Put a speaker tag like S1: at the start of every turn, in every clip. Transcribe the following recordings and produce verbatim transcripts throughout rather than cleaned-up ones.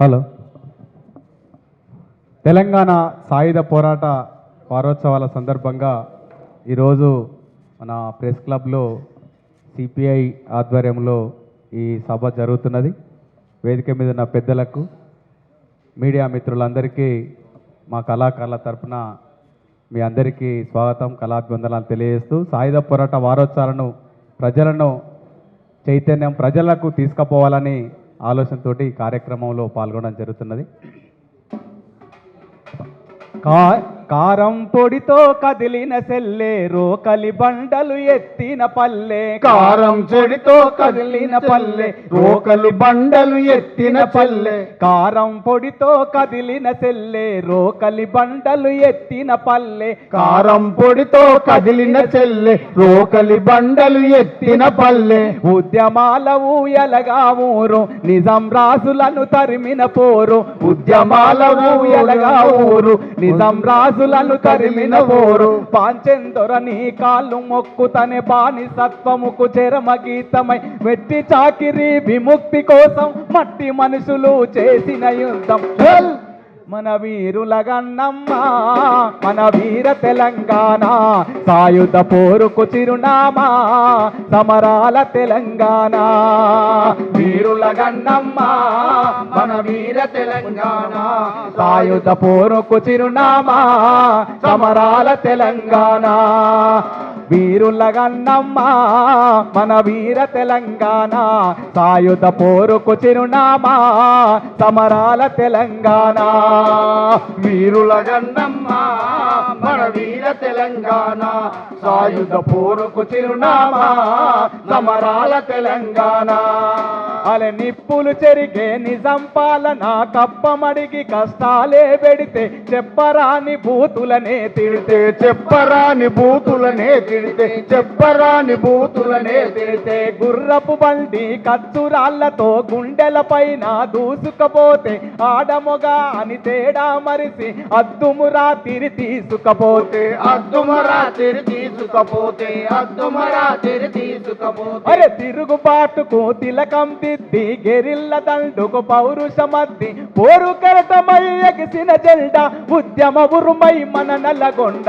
S1: Hello. Telangana సాయుధ పోరాట వారోత్సవాల సందర్భంగా ఈరోజు మన ప్రెస్ క్లబ్లో సిపిఐ ఆధ్వర్యంలో ఈ సభ జరుగుతున్నది. వేదిక మీద ఉన్న పెద్దలకు, మీడియా మిత్రులందరికీ మా కళాకారుల తరఫున మీ అందరికీ స్వాగతం, కళాభివందనాలు తెలియజేస్తూ సాయుధ పోరాట వారోత్సవాలను ప్రజలను చైతన్యం ప్రజలకు తీసుకుపోవాలని ఆలోచనతోటి ఈ కార్యక్రమంలో పాల్గొనడం జరుగుతున్నది. కా కారం పొడితో కదిలిన సెల్లే రోకలి బండలు ఎత్తిన పల్లె,
S2: కారం పొడితో కదిలిన పల్లె రోకలి బండలు ఎత్తిన పల్లె,
S1: కారం పొడితో కదిలిన సెల్లే రోకలి బండలు ఎత్తిన పల్లె,
S2: కారం పొడితో కదిలిన చెల్లె రోకలి బండలు ఎత్తిన పల్లె,
S1: ఉద్యమాల ఊయలగా ఊరు నిజాం రాజులను తరిమిన పోరు,
S2: ఉద్యమాల
S1: ఊయలగా ఊరు నిజాం రాజులను తరిమిన పోరు, పాంచెందొరని కాళ్ళు మొక్కుతనే బానిసత్వముకు చరమ గీతమై వెట్టి చాకిరి విముక్తి కోసం మట్టి మనుషులు చేసిన యుద్ధం. మన వీరుల గన్నమ్మ మన వీర తెలంగాణ, సాయుధ పోరుకు చిరునామా సమరాల తెలంగాణ.
S2: వీరుల గన్నమ్మ మన వీర తెలంగాణ,
S1: సాయుధ పోరుకు చిరునామా సమరాల తెలంగాణ. వీరుల గన్నమ్మ మన వీర తెలంగాణ, సాయుధ పోరుకు చిరునామా సమరాల తెలంగాణ.
S2: వీరుల గన్నమ్మ మన వీర తెలంగాణ, సాయుధ పోరుకు చిరునామా సమరాల తెలంగాణ.
S1: అలా నిప్పులు చెరిగే నిజాం పాలన కప్పమడిగి కష్టాలే పెడితే చెప్పరాని బూతులనే తిడితే,
S2: చెప్పరాని బూతులనే తిడితే, చెప్పరాని బూతులనే తిడితే,
S1: గుర్రపు బండి కచ్చురాళ్లతో గుండెల పైన దూసుకపోతే ఆడమొగ అని తేడా మరిసి అద్దుమురా తిరి తీసుకపోతే,
S2: అద్దుమరా తిరి తీసుకపోతే, అద్దుమరా తిరి తీసుకపోతే,
S1: అరే తిరుగుబాటుకు తిలకం దిద్ది గెరిల్ల దండుకు పౌరుషమద్ది పోరు కరటమై ఎగిసిన జెండా ఉద్యమ ఉరుమై మన నల్లగొండ.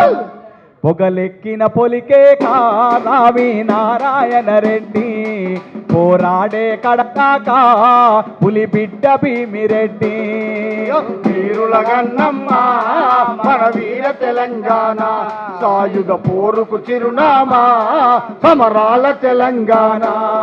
S1: పొగలెక్కిన పొలికే కావి నారాయణ రెడ్డి, పోరాడే కడకాక పులి బిడ్డ భీమిరెడ్డి.
S2: వీరుల గన్నమ్మ మన వీర తెలంగాణ, సాయుధ పోరుకు చిరునామా సమరాల తెలంగాణ.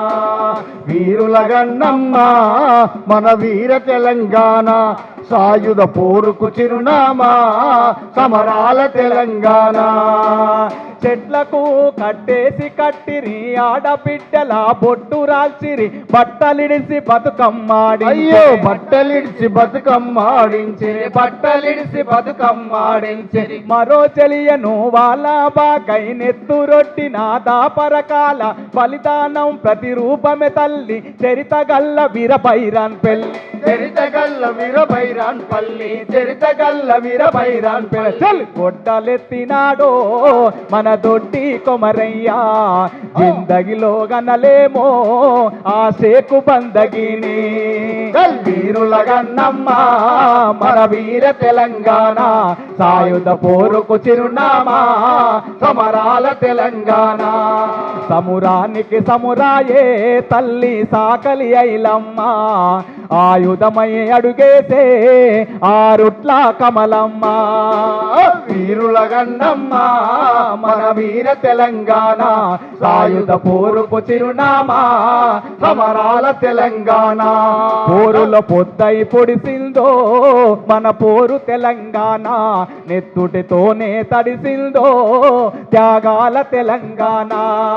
S2: వీరుల గన్నమ్మ మన వీర తెలంగాణ, సాయుధ పోరుకు చిరునామా సమరాల తెలంగాణ.
S1: చెట్లకు కట్టేసి కట్టిరి ఆడబిడ్డల బొట్టు రాల్చిరి, బట్టలిడిసి బతుకమ్మాడి,
S2: అయ్యో బట్టలిడిచి బతుకమ్మాడించిరి, బట్టలిడిసి బతుకమ్మాడించిరి.
S1: మరో చెలియను వాళ్ళ బాకై నెత్తురొట్టిన దాపరకాల బలిదానం ప్రతిరూపమే తల్లి చరితగల్ల వీరభైరాన్ పెళ్ళి,
S2: చరితగల్ల వీరభైరాన్ పల్లి, చరితగల్ల వీరభైరాన్ పల్లి.
S1: గొడ్డలెత్తినాడో మన దొడ్డి కొమరయ్యా, జిందగిలో గనలేమో ఆ శేకు బందగిని.
S2: వీరుల గన్నమ్మ
S1: మన వీర తెలంగాణ, సాయుధ పోరుకు చిరునామా సమరాల తెలంగాణ. సమురానికి సమురాయే తల్లి సాకలి ఐలమ్మ, ఆయుధమై అడుగేసే ఆరుట్ల కమలమ్మ.
S2: వీరుల గన్నమ్మ
S1: మన వీర తెలంగాణ, సాయుధ పోరుకు చిరునామా సమరాల తెలంగాణ. పోరులో పొద్దై పొడిసిందో మన పోరు తెలంగాణ, నెత్తుటితోనే తడిసిందో త్యాగాల తెలంగాణ.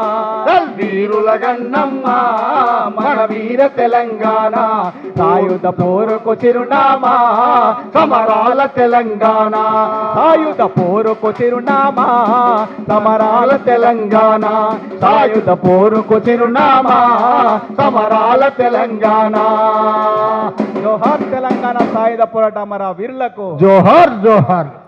S2: వీరుల గన్నమ్మ
S1: మన వీర తెలంగాణ, సాయుధ పోరుకు చిరునామా సమరాల తెలంగాణ. సాయుధ పోరుకు చిరునామా సమరాల తెలంగాణ, సాయుధ పోరుకు చిరునామా సమరాల తెలంగాణ. జోహార్ తెలంగాణ సాయుధ పోరాట మన వీరులకు
S2: జోహార్ జోహార్.